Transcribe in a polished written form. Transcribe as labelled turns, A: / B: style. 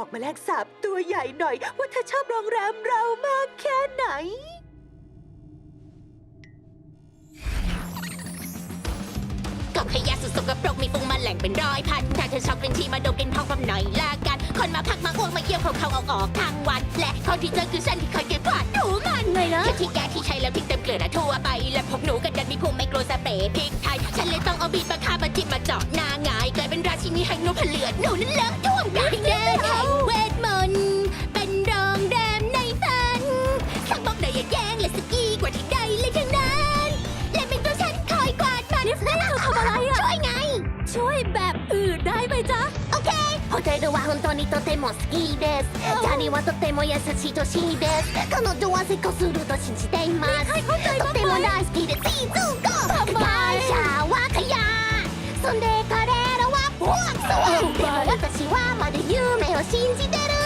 A: บอกแมลงสาบตัวใหญ่หน่อยว่าเธอชอบโรงแรมเรามากแค่ไหน
B: กับขยะสุดสกปรกมีฟุ้งแมลงเป็นร้อยพันถ้าเธอชอบกลิ่นที่มาดมกลิ่นห้องความหน่อยละกันคนมาพักมาอ้วกมาเยี่ยวเขาออกทั้งวันและคนที่เจอคือฉันที่คอยเก็บกวาดถูมันไงนะแค่ที่แกที่ใช้แล้วทิ้งเต็มเกลือทั่วไปและพวกหนูกันดันมีภูมิไม่กลัวสเปรย์พริกไทยฉันเลยต้องเอาบีบมาฆ่ามาจิ้มมาเจาะหน้าหงายกลายเป็นราชินีแห่งนกเลือดหนูนั้นเลอะท่วมกลางแดนแห่งเวทมนต์เป็นโรงแรมในฝันข้างบอกได้อย่าแย่งและสกีกว่าที่ใดเลยทั้งนั้นและเป็นตัวฉันคอยกวาดมันนี่เธอทำอะไรอะช่วยไงช่วยแบบอื่นได้ไหมจ๊ะโอเคホテルは本当にとても好きですジャニーはとても優しいとしいです彼女は成功すると信じていますとても大好きでシーズン5会社はขยะそんで彼らはボワクソでも私はまだ夢を信じてる